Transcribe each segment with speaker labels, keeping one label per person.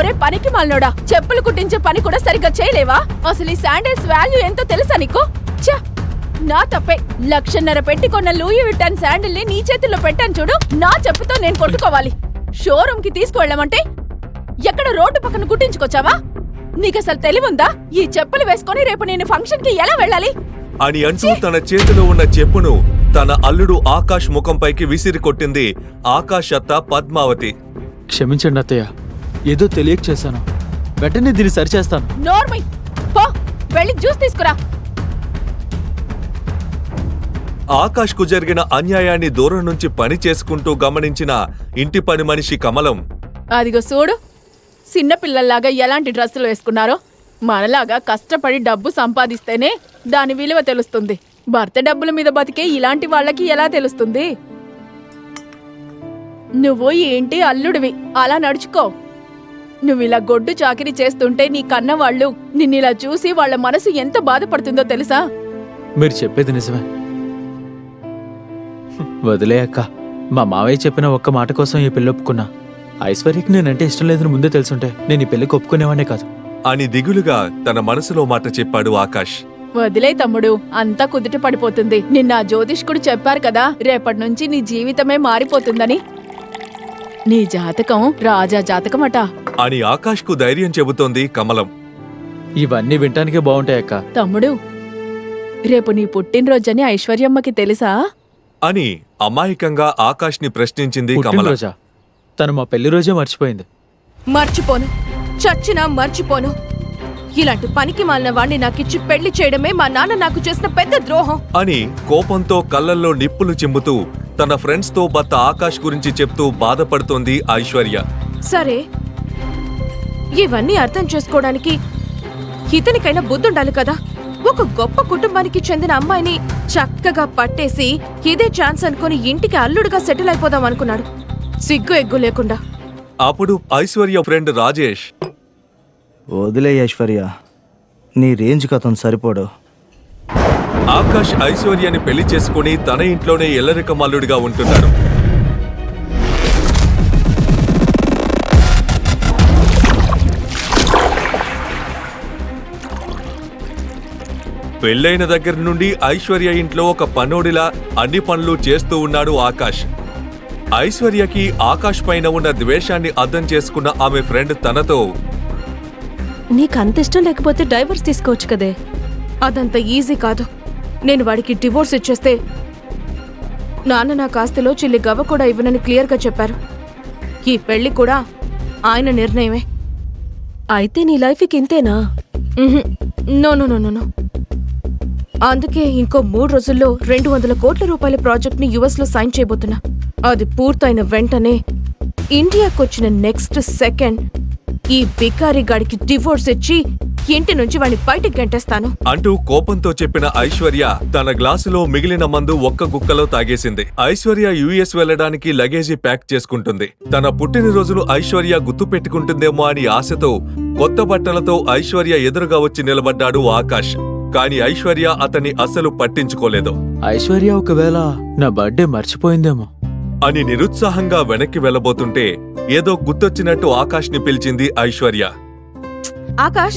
Speaker 1: ఒరే పనికి మాలినోడా, చెప్పులు కుట్టించే పని కూడా సరిగ్గా చేయలేవా? అసలు ఈ శాండిల్స్ వాల్యూ ఎంతో తెలుసా నీకు? ఛ! నా తప్పే. 1,50,000 పెట్టి కొన్న లూయి విట్టాన్ శాండిల్ ని నీ చేతుల్లో పెట్టాను చూడు. నా చెప్పుతో నేను కొట్టుకోవాలి. షోరూమ్ కి తీసుకువెళ్ళమంటే ఎక్కడ రోడ్డు పక్కన కుట్టించుకొచ్చావా? నీకసలు తెలివుందా? ఈ చెప్పులు వేసుకొని రేపు నేను ఫంక్షన్ కి ఎలా వెళ్ళాలి
Speaker 2: అని అంటూ తన చేతిలో ఉన్న చెప్పును తన అల్లుడు ఆకాష్ ముఖంపైకి విసిరి కొట్టింది ఆకాష్ అత్త పద్మావతి.
Speaker 3: క్షమించండి అత్తయ్య, ఏదో తెలియక చేశాను. వెంటనే దీన్ని సరిచేస్తాను.
Speaker 1: నోర్మై పో, వెళ్ళి జ్యూస్ తీసుకురా.
Speaker 2: ఆకాష్ కు జరిగిన అన్యాయాన్ని దూరం నుంచి పని చేసుకుంటూ గమనించిన ఇంటి పని మనిషి కమలం,
Speaker 1: అదిగో చూడు, చిన్నపిల్లల్లాగా ఎలాంటి డ్రెస్సులు వేసుకున్నారో. మనలాగా కష్టపడి డబ్బు సంపాదిస్తేనే దాని విలువ తెలుస్తుంది. భర్త డబ్బుల మీద బతికే ఇలాంటి వాళ్ళకి ఎలా తెలుస్తుంది? నువ్వు ఏంటి అల్లుడివి, అలా నడుచుకో. నువ్విలా గొడ్డు చాకిరీ చేస్తుంటే నీ కన్నవాళ్ళు నిన్నిలా చూసి వాళ్ళ మనసు ఎంత బాధపడుతుందో తెలుసా?
Speaker 3: మీరు చెప్పేది నిజమే. వదిలే అక్క, మా మావయ్య చెప్పిన ఒక్క మాట కోసం ఈ పెళ్లి ఒప్పుకున్నా. ఐశ్వర్యకి నేనంటే ఇష్టం లేదని ముందే తెలుసుంటే నేను ఈ పెళ్లికి ఒప్పుకునేవాడే కాదు
Speaker 2: అని దిగులుగా తన మనసులో మాట చెప్పాడు ఆకాష్.
Speaker 1: వదిలే తమ్ముడు, అంతా కుదుట పడిపోతుంది. నిన్న ఆ జ్యోతిష్కుడు చెప్పారు కదా, రేపటి నుంచి నీ జీవితమే మారిపోతుందని. నీ జాతకం రాజా జాతకమట
Speaker 2: అని ఆకాష్ కు ధైర్యం చెబుతోంది కమలం.
Speaker 3: ఇవన్నీ వినటానికే బాగుంటాయక్క.
Speaker 1: తమ్ముడు, రేపు నీ పుట్టినరోజని ఐశ్వర్యమ్మకి తెలుసా
Speaker 2: అని అమాయకంగా ఆకాష్ ని ప్రశ్నించింది కమలం.
Speaker 3: పుట్టినరోజా? తను మా పెళ్లి రోజే మర్చిపోయింది.
Speaker 4: మర్చిపోను, చచ్చినా మర్చిపోను. ఇలాంటి పనికి మాలిన వాణ్ణి నాకిచ్చి పెళ్లి చేయడమే మా నాన్న నాకు చేసిన పెద్ద ద్రోహం
Speaker 2: అని కోపంతో కళ్ళల్లో నిప్పులు చిమ్ముతూ తన ఫ్రెండ్స్ తో భర్త ఆకాష్ గురించి చెప్తూ బాధపడుతోంది ఐశ్వర్య.
Speaker 4: సరే, ఇవన్నీ అర్థం చేసుకోవడానికి ఇతనికైనా బుద్ధుండాలి కదా. ఒక గొప్ప కుటుంబానికి చెందిన అమ్మాయిని చక్కగా పట్టేసి ఇదే ఛాన్స్ అనుకుని ఇంటికి అల్లుడుగా సెటిల్ అయిపోదాం అనుకున్నాడు, సిగ్గు ఎగ్గు లేకుండా.
Speaker 2: అప్పుడు ఐశ్వర్య ఫ్రెండ్ రాజేష్,
Speaker 5: వదిలే ఐశ్వర్య, నీ రేంజ్కి అతను సరిపోడు.
Speaker 2: ఆకాష్ ఐశ్వర్యని పెళ్లి చేసుకుని తన ఇంట్లోనే ఎల్లరిక మల్లుడిగా ఉంటున్నాడు. పెళ్లైన దగ్గర నుండి ఐశ్వర్య ఇంట్లో ఒక పనోడిలా అన్ని పనులు చేస్తూ ఉన్నాడు ఆకాష్. ఐశ్వర్యకి ఆకాష్ పైన ఉన్న ద్వేషాన్ని అర్థం చేసుకున్న ఆమె ఫ్రెండ్ తనతో,
Speaker 4: నీకంత ఇష్టం లేకపోతే డైవర్స్ తీసుకోవచ్చు కదే. అదంత ఈజీ కాదు. నేను వాడికి డివోర్స్ ఇచ్చేస్తే నాన్న నా కాస్తిలో చిల్లి గవ్వ కూడా ఇవ్వనని క్లియర్గా చెప్పారు. ఈ పెళ్లి కూడా ఆయన నిర్ణయమే. అయితే నీ లైఫ్కి ఇంతేనా? No no no no. అందుకే ఇంకో 3 రోజుల్లో 200 కోట్ల రూపాయల ప్రాజెక్ట్ని యుఎస్లో సైన్ చేయబోతున్నా. అది పూర్తయిన వెంటనే ఇండియాకొచ్చిన నెక్స్ట్ సెకండ్ ఈ బికారి గాడికి డివోర్స్ ఇచ్చి ఇంటి నుంచి వాడిని బయటికి గంటేస్తాను
Speaker 2: అంటూ కోపంతో చెప్పిన ఐశ్వర్య తన గ్లాసులో మిగిలిన మందు ఒక్క గుక్కలో తాగేసింది. ఐశ్వర్య యుఎస్ వెళ్లడానికి లగేజీ ప్యాక్ చేసుకుంటుంది. తన పుట్టినరోజును ఐశ్వర్య గుర్తు పెట్టుకుంటుందేమో అని ఆశతో కొత్త బట్టలతో ఐశ్వర్య ఎదురుగా వచ్చి నిలబడ్డాడు ఆకాష్. కాని ఐశ్వర్య అతన్ని అస్సలు పట్టించుకోలేదు.
Speaker 3: ఐశ్వర్య ఒకవేళ నా బర్త్డే మర్చిపోయిందేమో
Speaker 2: అని నిరుత్సాహంగా వెనక్కి వెళ్లబోతుంటే ఏదో గుర్తొచ్చినట్టు ఆకాష్ ని పిలిచింది ఐశ్వర్య.
Speaker 4: ఆకాష్,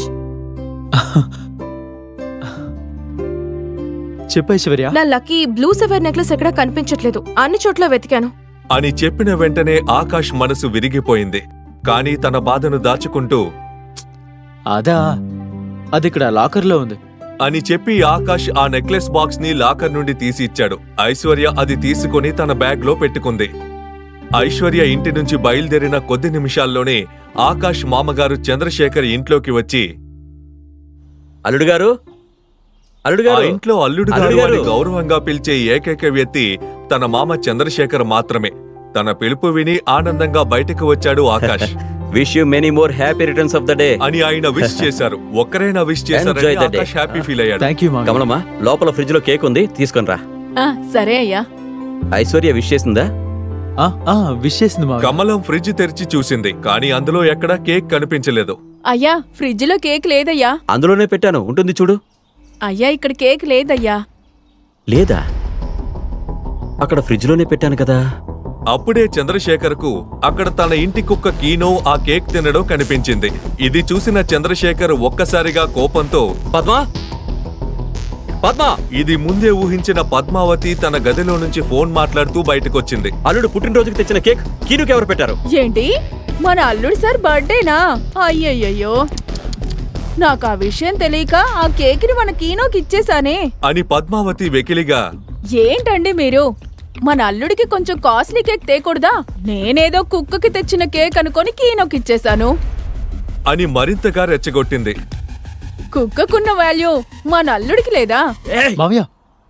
Speaker 3: చెప్పు ఐశ్వర్య.
Speaker 4: నా లక్కీ బ్లూ సెవెర్ నెక్లెస్ ఎక్కడా కనిపించట్లేదు, అన్ని చోట్ల వెతికాను
Speaker 2: అని చెప్పిన వెంటనే ఆకాష్ మనసు విరిగిపోయింది. కాని తన బాధను దాచుకుంటూ,
Speaker 3: అదా, అది ఇక్కడ లాకర్లో ఉంది
Speaker 2: అని చెప్పి ఆకాష్ ఆ నెక్లెస్ బాక్స్ ని లాకర్ నుండి తీసి ఇచ్చాడు. ఐశ్వర్య అది తీసుకుని తన బ్యాగ్ లో పెట్టుకుంది. ఐశ్వర్య ఇంటి నుంచి బయలుదేరిన కొద్ది నిమిషాల్లోనే ఆకాష్ మామగారు చంద్రశేఖర్ ఇంట్లోకి వచ్చి,
Speaker 6: అల్లుడుగారు,
Speaker 2: ఆ ఇంట్లో అల్లుడుగారు అని గౌరవంగా పిలిచే ఏకైక వ్యక్తి తన మామ చంద్రశేఖర్ మాత్రమే. తన పిలుపు విని ఆనందంగా బయటకు వచ్చాడు Akash.
Speaker 6: Wish you many more happy returns of the day
Speaker 2: అని ఆయన విష్ చేశారు. ఒక్కరైనా విష్ చేశారని ఆకాష్ హ్యాపీ ఫీల్ అయ్యాడు.
Speaker 3: థ్యాంక్ యూ మామయ్య.
Speaker 6: కమలమ్మా, లోపల ఫ్రిడ్జ్ లో కేక్ ఉంది, తీసుకొని రా.
Speaker 1: సరే అయ్యా.
Speaker 6: ఐశ్వర్య విష్ చేసిందా?
Speaker 3: విష్ చేసింది మామయ్య.
Speaker 2: కమలం ఫ్రిడ్జ్ తెరిచి చూసింది, కానీ అందులో ఎక్కడా కేక్ కనిపించలేదు.
Speaker 1: అయ్యా, ఫ్రిడ్జ్ లో కేక్ లేదయ్యా.
Speaker 6: అందులోనే పెట్టాను, ఉంటుంది చూడు.
Speaker 1: అయ్యా, ఇక్కడ కేక్ లేదయ్యా.
Speaker 6: లేదా? అక్కడ ఫ్రిడ్జ్ లోనే పెట్టాను కదా.
Speaker 2: అప్పుడే చంద్రశేఖర్కు అక్కడ తన ఇంటి కుక్క కీనో ఆ కేక్ తినడం కనిపించింది. ఇది చూసిన చంద్రశేఖర్ ఒక్కసారిగా కోపంతో
Speaker 6: పద్మా పద్మా
Speaker 2: ఇది ముందే ఊహించిన పద్మావతి తన గదిలో నుంచి ఫోన్ మాట్లాడుతూ బయటకొచ్చింది.
Speaker 6: అల్లుడు పుట్టినరోజుకి తెచ్చిన కేక్ కీనుకి ఎవరు పెట్టారు?
Speaker 1: ఏంటి మన అల్లుడు సార్ బర్త్డేనా? అయ్యయ్యో, నాకు ఆ విషయం తెలియక ఆ కేక్ని మన కీనోకి ఇచ్చేసానే
Speaker 2: అని పద్మావతి వెకిలిగా
Speaker 1: ఏంటండి మీరు? మన అల్లుడికి కొంచెం కాస్ట్లీ కేక్ తేకూడదా? నేనేదో కుక్కకి తెచ్చిన కేక్ అనుకొని కీనోకి ఇచ్చేసాను.
Speaker 2: అని మరింతగా రెచ్చగొట్టింది.
Speaker 1: కుక్కకున్న వాల్యూ మన అల్లుడికి లేదా?
Speaker 3: మావయ్య,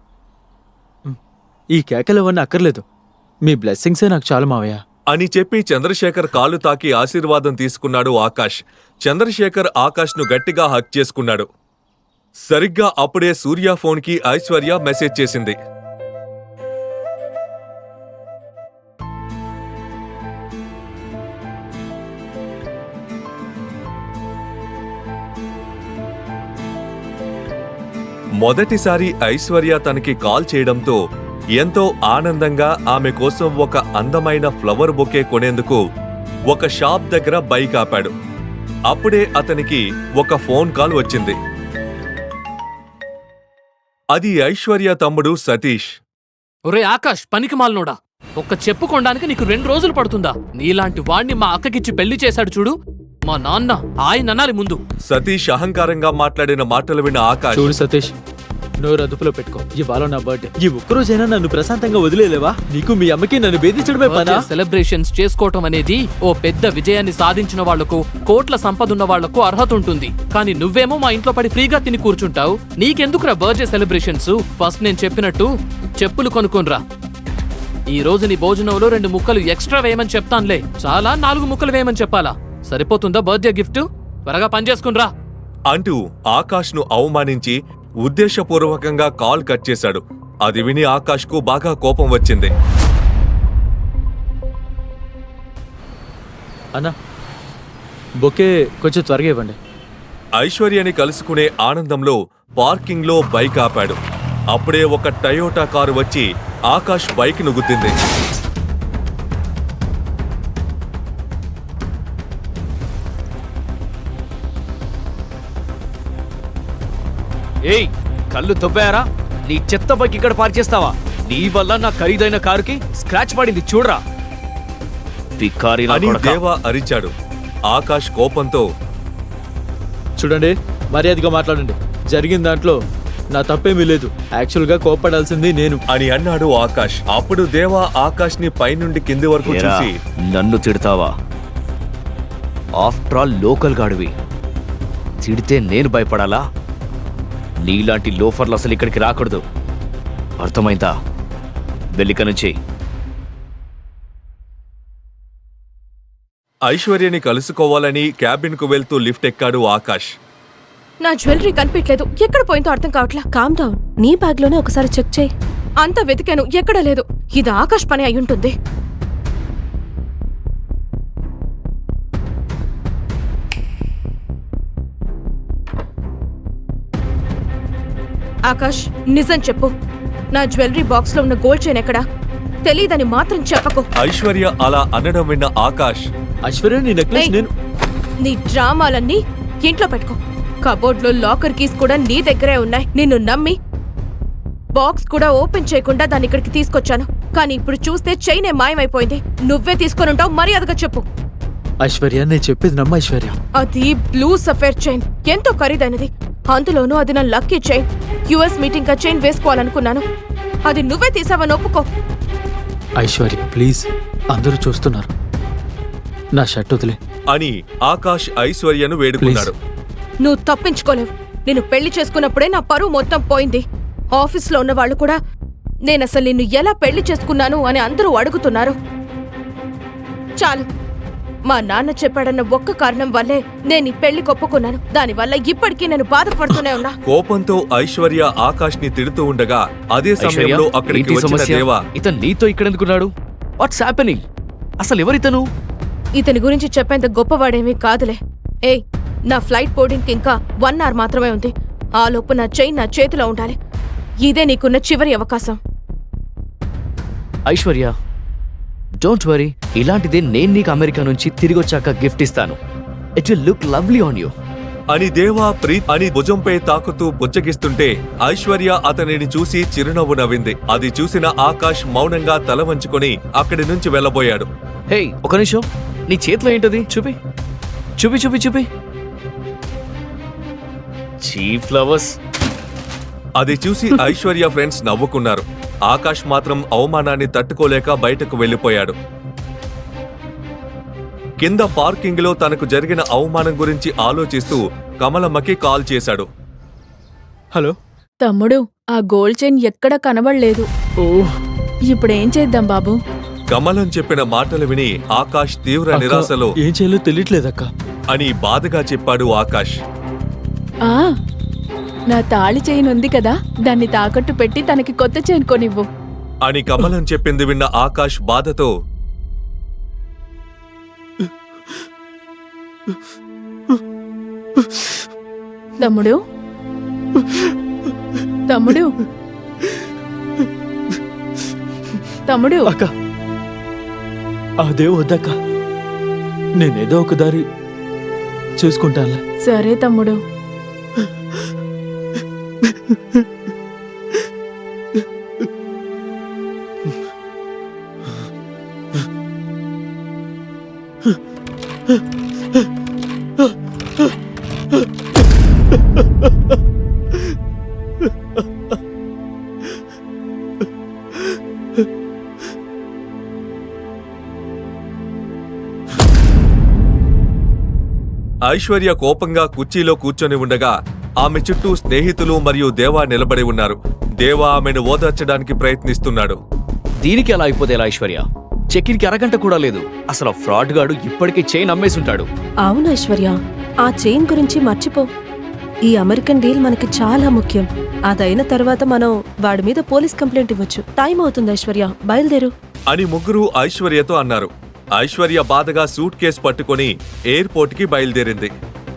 Speaker 3: ఈ కేకలు అవన్నీ అక్కర్లేదు. మీ బ్లెస్సింగ్సే నాకు చాలు మావయ్య.
Speaker 2: అని చెప్పి చంద్రశేఖర్ కాలు తాకి ఆశీర్వాదం తీసుకున్నాడు ఆకాష్. చంద్రశేఖర్ ఆకాష్ను గట్టిగా హక్ చేసుకున్నాడు. సరిగ్గా అప్పుడే సూర్య ఫోన్కి ఐశ్వర్య మెసేజ్ చేసింది. మొదటిసారి ఐశ్వర్య తనకి కాల్ చేయడంతో ఎంతో ఆనందంగా ఆమె కోసం ఒక అందమైన ఫ్లవర్ బొకే కొనేందుకు ఒక షాప్ దగ్గర బైక్ ఆపాడు. అప్పుడే అతనికి ఒక ఫోన్ కాల్ వచ్చింది. అది ఐశ్వర్య తమ్ముడు సతీష్.
Speaker 7: ఒరే ఆకాష్, పనికి మాలనోడా, ఒక్క చెప్పు కొనడానికి నీకు 2 రోజులు పడుతుందా? నీలాంటి వాణ్ణి మా అక్కకిచ్చి పెళ్లి చేశాడు చూడు, మా నాన్న ఆయన అనాలి ముందు.
Speaker 2: సతీష్ అహంకారంగా మాట్లాడిన మాటలు విన్న ఆకాష్,
Speaker 3: చూడు సతీష్, నోరు అదుపులో పెట్టుకో. ఇవాళ నా బర్త్డే. ఈ ఒక్కరోజైనా నన్ను ప్రశాంతంగా వదిలేలేవా? నీకు మీ అమ్మకి నన్ను బెదిరించడమే పనా?
Speaker 7: సెలబ్రేషన్స్ చేసుకోవటం అనేది ఓ పెద్ద విజయాన్ని సాధించిన వాళ్లకు, కోట్ల సంపదున్న వాళ్లకు అర్హత ఉంటుంది. కానీ నువ్వేమో మా ఇంట్లో పడి ఫ్రీగా తిని కూర్చుంటావు. నీకెందుకురా బర్త్డే సెలబ్రేషన్స్? ఫస్ట్ నేను చెప్పినట్టు చెప్పులు కొనుక్కోనరా. ఈ రోజు నీ భోజనంలో 2 ముక్కలు ఎక్స్ట్రా వేయమని చెప్తానులే. చాలా 4 ముక్కలు వేయమని చెప్పాలా? సరిపోతుందా బర్త్డే గిఫ్ట్? త్వరగా పని చేసుకునిరా
Speaker 2: అంటూ ఆకాష్ను అవమానించి ఉద్దేశపూర్వకంగా కాల్ కట్ చేశాడు. అది విని ఆకాష్కు బాగా కోపం వచ్చింది.
Speaker 3: అన్నా, బొకే కొంచెం త్వరగా ఇవ్వండి.
Speaker 2: ఐశ్వర్యని కలుసుకునే ఆనందంలో పార్కింగ్లో బైక్ ఆపాడు. అప్పుడే ఒక టయోటా కారు వచ్చి ఆకాష్ బైక్ ను గుద్దింది.
Speaker 8: ఏయ్, కళ్ళు తొబ్బాయారా? నీ చెత్త బైక్ ఇక్కడ పార్క్ చేస్తావా? నీ వల్ల నా ఖరీదైన కారుకి స్క్రాచ్ పడింది చూడరా.
Speaker 2: అని దేవా అరిచాడు. ఆకాష్ కోపంతో,
Speaker 3: చూడండి, మర్యాదగా మాట్లాడండి. జరిగిన దాంట్లో నా తప్పేమీ లేదు. యాక్చువల్ గా కోప్పడాల్సింది నేను
Speaker 2: అని అన్నాడు ఆకాష్. అప్పుడు దేవా ఆకాష్ ని పైనుండి కింది వరకు చూసి,
Speaker 8: నన్ను తిడతావా? ఆఫ్టర్ ఆల్ లోకల్ గాడివి, తిడితే నేను భయపడాలా? నీలాంటి లోఫర్లు అసలు ఇక్కడికి రాకూడదు, అర్థమైందా? వెల్లిక నుంచి.
Speaker 2: ఐశ్వర్యని కలుసుకోవాలని క్యాబిన్ కు వెళ్తూ లిఫ్ట్ ఎక్కాడు ఆకాష్.
Speaker 4: నా జ్యువెలరీ కనిపించలేదు. ఎక్కడ పోయిందో అర్థం కావట్లా.
Speaker 9: Calm down. నీ బ్యాగ్ లోనే ఒకసారి చెక్ చేయి.
Speaker 4: అంతా వెతికాను, ఎక్కడా లేదు. ఇది ఆకాష్ పని అయ్యుంటుంది. ఆకాష్, నిజం చెప్పు, నా జ్యువెలరీ బాక్స్ లో ఉన్న గోల్డ్ చైన్ ఎక్కడా? తెలీదని మాత్రం చెప్పకు.
Speaker 2: ఐశ్వర్య అలా అనడం విన్న ఆకాష్,
Speaker 3: ఐశ్వర్య, నీ నెక్లెస్
Speaker 4: ఏయ్,
Speaker 3: నేను
Speaker 4: నీ డ్రామాలన్నీ ఇంట్లో పెట్టుకో. కబోర్డ్ లో లాకర్ కీస్ కూడా నీ దగ్గరే ఉన్నాయి. నిన్ను నమ్మి బాక్స్ కూడా ఓపెన్ చేయకుండా దాన్ని ఇక్కడికి తీసుకొచ్చాను. కానీ ఇప్పుడు చూస్తే చైనే మాయమైపోయింది. నువ్వే తీసుకొనుంటావు, మర్యాదగా చెప్పు.
Speaker 3: ఐశ్వర్య, నేను చెప్పేది నమ్మ ఐశ్వర్య.
Speaker 4: అది బ్లూ సఫేర్ చైన్, ఎంతో ఖరీదైనది. అందులోనూ అది నా లక్కీ చైన్. యుఎస్ మీటింగ్ గా చైన్ వేసుకోవాలనుకున్నాను, అది నువ్వే తీసావని ఒప్పుకో.
Speaker 3: ఐశ్వర్య ప్లీజ్, అందరూ చూస్తున్నారు, నా షర్ట్ వదిలే
Speaker 2: అని ఆకాష్ ఐశ్వర్యను వేడుకున్నాడు.
Speaker 4: నువ్వు తప్పించుకోలేవు. నేను పెళ్లి చేసుకున్నప్పుడే నా పరువు మొత్తం పోయింది. ఆఫీస్లో ఉన్న వాళ్ళు కూడా నేనసలు నిన్ను ఎలా పెళ్లి చేసుకున్నాను అని అందరూ అడుగుతున్నారు. చాలు, మా నాన్న చెప్పాడన్న ఒక్క కారణం వల్లే నేను ఈ పెళ్లి ఒప్పుకున్నాను. దానివల్ల ఇప్పటికీ నేను బాధపడుతూనే ఉన్నా.
Speaker 2: కోపంతో ఐశ్వర్య ఆకాష్ ని తిడుతూ ఉండగా అదే సమయంలో అక్కడికి వచ్చిన దేవా,
Speaker 8: ఇతను నీతో ఇక్కడ ఎందుకున్నాడు? What's happening? అసలు ఎవరితను?
Speaker 4: ఇతని గురించి చెప్పేంత గొప్పవాడేమీ కాదులే. ఏయ్, నా ఫ్లైట్ బోర్డింగ్కి ఇంకా 1 hour మాత్రమే ఉంది. ఆ లోపు నా చైన్ నా చేతిలో ఉండాలి. ఇదే నీకున్న చివరి అవకాశం.
Speaker 8: ఐశ్వర్య, డోంట్ వరీ, ఇలాంటిదే నేను నీకు అమెరికా నుంచి తిరిగి వచ్చాక గిఫ్ట్ ఇస్తాను. It will look lovely on you.
Speaker 2: అని దేవా ప్రీత్ అని భుజంపై తాకుతూ బుజ్జగిస్తుంటే ఐశ్వర్య అతనిని చూసి చిరునవ్వు నవ్వింది. అది చూసిన ఆకాష్ మౌనంగా తల వంచుకొని అక్కడి నుంచి వెళ్లబోయాడు.
Speaker 8: హే, ఒక నిమిషం, నీ చేతిలో ఏంటది? చూపి చూపి చూపి చూపి. Cheap flowers.
Speaker 2: అది చూసి ఐశ్వర్య ఫ్రెండ్స్ నవ్వుకున్నారు. ఆకాష్ మాత్రం అవమానాన్ని తట్టుకోలేక బయటకు వెళ్లిపోయాడు. కింద పార్కింగ్ లో తనకు జరిగిన అవమానం గురించి ఆలోచిస్తూ కమలమ్మకి కాల్ చేశాడు.
Speaker 3: హలో.
Speaker 1: తమ్ముడు, ఆ గోల్డ్ చైన్ ఎక్కడ కనబడలేదు.
Speaker 3: ఓ
Speaker 1: ఇప్పుడేం చేద్దాం బాబు?
Speaker 2: కమలం చెప్పిన మాటలు విని ఆకాష్ తీవ్ర
Speaker 3: అక్క,
Speaker 2: నిరాశలో
Speaker 3: ఏం చేయాలో తెలియట్లేదక్క.
Speaker 2: అని బాధగా చెప్పాడు ఆకాష్.
Speaker 1: ఆ నా తాళి చైన్ ఉంది కదా, దాన్ని తాకట్టు పెట్టి తనకి కొత్త చైన్ కొనివ్వు
Speaker 2: అని కమలం చెప్పింది విన్న ఆకాష్ బాధతో
Speaker 1: తమ్ముడు తమ్ముడు తమ్ముడు
Speaker 3: అక్క, అదే వద్దక్క, నేనేదో ఒక దారి చూసుకుంటానులే.
Speaker 1: సరే తమ్ముడు.
Speaker 2: ఐశ్వర్య కోపంగా కుర్చీలో కూర్చొని ఉండగా ఆమె చుట్టూ స్నేహితులు మరియు దేవా నిలబడి ఉన్నారు. దేవా ఆమెను ఓదార్చడానికి ప్రయత్నిస్తున్నాడు.
Speaker 8: దీనికి ఎలా అయిపోతే ఎలా ఐశ్వర్య? చెక్కినికి అరగంట కూడా లేదు. అసలు ఫ్రాడ్ గాడు ఇప్పటికే చైన్ అమ్మేసుంటాడు.
Speaker 9: అవును ఐశ్వర్య, ఆ చైన్ గురించి మర్చిపో. ఈ అమెరికన్ డీల్ మనకి చాలా ముఖ్యం. అదైన తర్వాత మనం వాడి మీద పోలీస్ కంప్లైంట్ ఇవ్వచ్చు. టైం అవుతుంది ఐశ్వర్య, బయలుదేరు
Speaker 2: అని ముగ్గురు ఐశ్వర్యతో అన్నారు. ఐశ్వర్య బాధగా సూట్ కేస్ పట్టుకొని ఎయిర్పోర్ట్ కి బయలుదేరింది.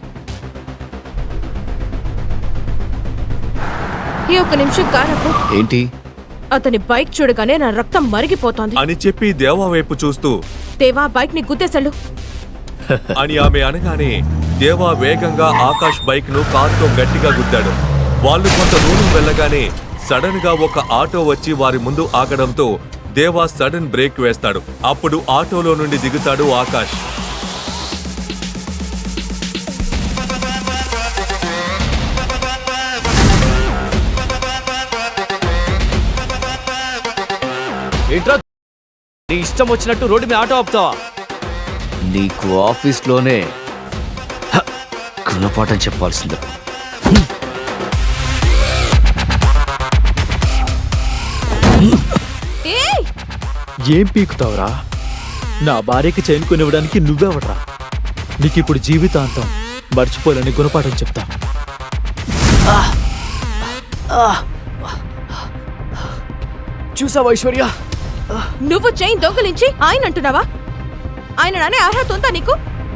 Speaker 4: ఈ ఒక్క నిమిషం కారకు.
Speaker 8: ఏంటి?
Speaker 4: అతని బైక్ చూడగానే నా రక్తం మరిగిపోతోంది.
Speaker 2: అని చెప్పి దేవా వైపు చూస్తూ
Speaker 4: దేవా, బైక్ ని గుద్దేశాడు
Speaker 2: అని ఆమె అనగానే దేవా వేగంగా ఆకాష్ బైక్ ను కారుతో గట్టిగా గుద్దాడు. వాళ్ళు కొంత దూరం వెళ్ళగానే సడన్ గా ఒక ఆటో వచ్చి వారి ముందు ఆగడంతో దేవా సడన్ బ్రేక్ వేస్తాడు. అప్పుడు ఆటోలో నుండి దిగుతాడు ఆకాష్.
Speaker 8: ఏంట్రా, నీ ఇష్టం వచ్చినట్టు రోడ్డు మీద ఆటో ఆపుతావా? నీకు ఆఫీస్లోనే గుణపాఠం చెప్పాల్సిందే.
Speaker 3: ఏం పీకుతావురా? నా భార్యకి చైన్ కొనివ్వడానికి నువ్వెవడ్రా? నీకిప్పుడు జీవితాంతం మర్చిపోలేని గుణపాఠం చెప్తా.
Speaker 8: చూసావా ఐశ్వర్య?
Speaker 4: నువ్వు చైన్ దొంగలించి ఆయన అంటున్నావా? ఆయన నానే అర్హత ఉందా నీకు?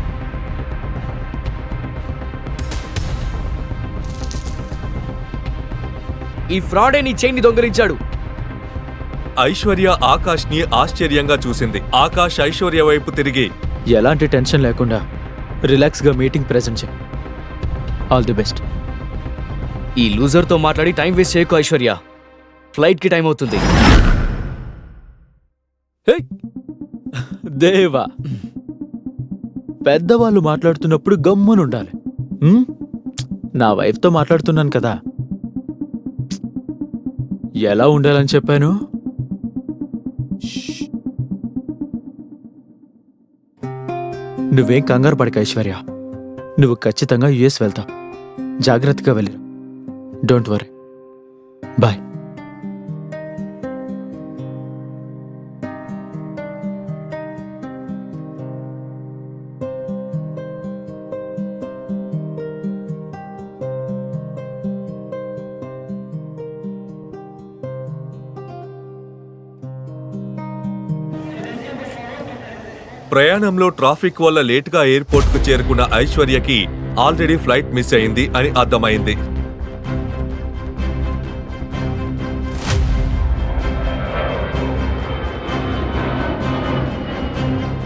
Speaker 8: ఈ ఫ్రాడే నీ చైన్ ని దొంగలించాడు.
Speaker 2: ఐశ్వర్య ఆకాష్ ని ఆశ్చర్యంగా చూసింది. ఆకాష్ ఐశ్వర్య వైపు తిరిగి
Speaker 3: ఎలాంటి టెన్షన్ లేకుండా రిలాక్స్గా మీటింగ్ ప్రెజెంట్ చేయి. All the best.
Speaker 8: ఈ లూజర్తో మాట్లాడి టైం వేస్ట్ చేయకు ఐశ్వర్య. ఫ్లైట్కి టైం అవుతుంది.
Speaker 3: దేవా, పెద్దవాళ్ళు మాట్లాడుతున్నప్పుడు గమ్మునుండాలి. నా వైఫ్తో మాట్లాడుతున్నాను కదా, ఎలా ఉండాలని చెప్పాను? నువ్వేం కంగారు పడక ఐశ్వర్య, నువ్వు ఖచ్చితంగా యుఎస్ వెళ్తావు. జాగ్రత్తగా వెళ్ళిరా. Don't worry. బాయ్.
Speaker 2: ప్రయాణంలో ట్రాఫిక్ వల్ల లేటుగా ఎయిర్పోర్ట్ కు చేరుకున్న ఐశ్వర్యకి ఆల్రెడీ ఫ్లైట్ మిస్ అయింది అని అర్థమైంది.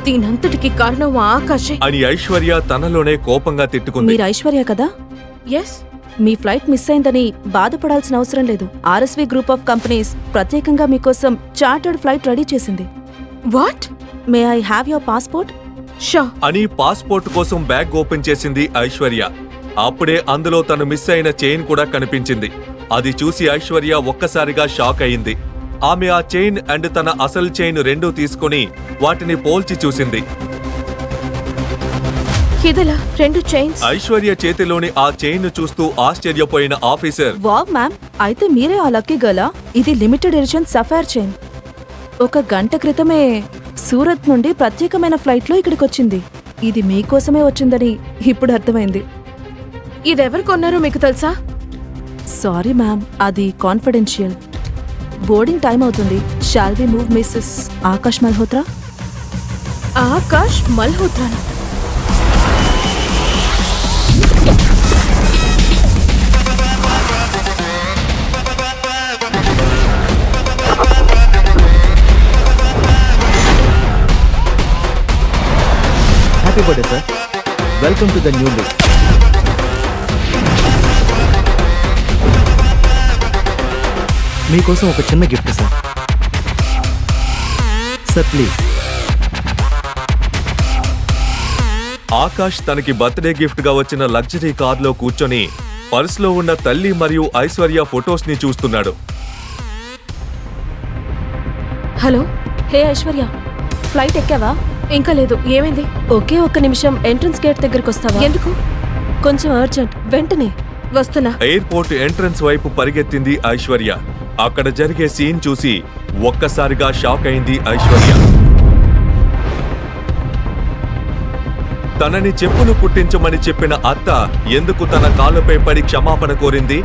Speaker 4: దీనంతటికి కారణం ఆ ఆకాశే.
Speaker 2: అని ఐశ్వర్య తనలోనే కోపంగా తిట్టుకుంది.
Speaker 9: మీరు ఐశ్వర్య కదా?
Speaker 4: ఎస్.
Speaker 9: మీ ఫ్లైట్ మిస్ అయిందని బాధపడాల్సిన అవసరం లేదు. ఆర్ఎస్వి గ్రూప్ ఆఫ్ కంపెనీస్ ప్రత్యేకంగా మీకోసం చార్టర్డ్ ఫ్లైట్ రెడీ చేసింది.
Speaker 4: What?
Speaker 9: May I have your passport?
Speaker 4: Show.
Speaker 2: అని పాస్పోర్ట్ కోసం బ్యాగ్ ఓపెన్ చేసింది ఐశ్వర్య. అప్పుడే అందులో తను మిస్ అయిన చైన్ కూడా కనిపించింది. అది చూసి ఐశ్వర్య ఒక్కసారిగా షాక్ అయింది. ఆమె ఆ చైన్ అండ్ తన అసలు చైన్ రెండూ తీసుకుని వాటిని పోల్చి చూసింది.
Speaker 4: ఇదలా 2 చైన్స్?
Speaker 2: ఐశ్వర్య చేతిలోని ఆ చైన్ చూస్తూ ఆశ్చర్యపోయిన ఆఫీసర్,
Speaker 9: వావ్ మ్యామ్, అయితే మీరే ఆ లక్కీ గర్లా? ఇది లిమిటెడ్ ఎడిషన్ సఫైర్ చైన్. 1 గంట క్రితమే సూరత్ నుండి ప్రత్యేకమైన ఫ్లైట్లో ఇక్కడికొచ్చింది. ఇది మీకోసమే వచ్చిందని ఇప్పుడు అర్థమైంది.
Speaker 4: ఇదెవరు కొన్నారో మీకు తెలుసా?
Speaker 9: సారీ మ్యామ్, అది కాన్ఫిడెన్షియల్. బోర్డింగ్ టైం అవుతుంది. Shall we move Mrs Akash Malhotra?
Speaker 4: Akash Malhotra.
Speaker 5: Happy birthday sir. Welcome to the new look. మీకోసం ఒక చిన్న gift sir. Sir please.
Speaker 2: Akash తనకి బర్త్డే గిఫ్ట్ గా వచ్చిన లగ్జరీ కార్లో కూర్చొని పర్సులో ఉన్న తల్లి మరియు ఐశ్వర్య ఫొటోస్ ని చూస్తున్నాడు.
Speaker 4: హలో.
Speaker 9: హే ఐశ్వర్య, ఫ్లైట్ ఎక్కావా?
Speaker 4: ఇంకా లేదు. ఏమైంది?
Speaker 9: ఒకే 1 నిమిషం ఎంట్రన్స్ గేట్ దగ్గరకు వస్తావా?
Speaker 4: ఎందుకు?
Speaker 9: కొంచెం అర్జెంట్. వెంటనే
Speaker 4: వస్తున్నా.
Speaker 2: ఎయిర్పోర్ట్ ఎంట్రన్స్ వైపు పరిగెత్తింది ఐశ్వర్య. అక్కడ జరిగే సీన్ చూసి ఒక్కసారిగా షాక్ అయింది ఐశ్వర్య. తనని చెప్పులు కుట్టించమని చెప్పిన అత్త ఎందుకు తన కాళ్ళపై పడి క్షమాపణ కోరింది?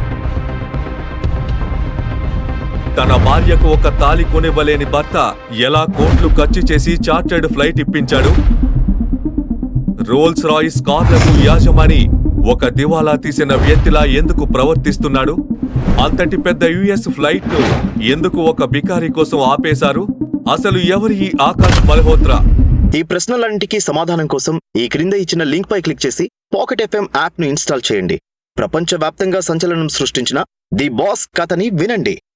Speaker 2: తన భార్యకు ఒక తాళి కొనివ్వలేని భర్త ఎలా కోట్లు ఖర్చు చేసి చార్టర్డ్ ఫ్లైట్ ఇప్పించాడు? రోల్స్ రాయిస్ కార్లకు యాజమాని ఒక దివాలా తీసిన వ్యక్తిలా ఎందుకు ప్రవర్తిస్తున్నాడు? అంతటి పెద్ద యుఎస్ ఫ్లైట్ ను ఎందుకు ఒక బికారి కోసం ఆపేశారు? అసలు ఎవరి ఈ ఆకాష్ మల్హోత్రా?
Speaker 10: ఈ ప్రశ్నలన్నింటికీ సమాధానం కోసం ఈ క్రింద ఇచ్చిన లింక్ పై క్లిక్ చేసి పాకెట్ ఎఫ్ఎం యాప్ ను ఇన్స్టాల్ చేయండి. ప్రపంచవ్యాప్తంగా సంచలనం సృష్టించిన ది బాస్ కథని వినండి.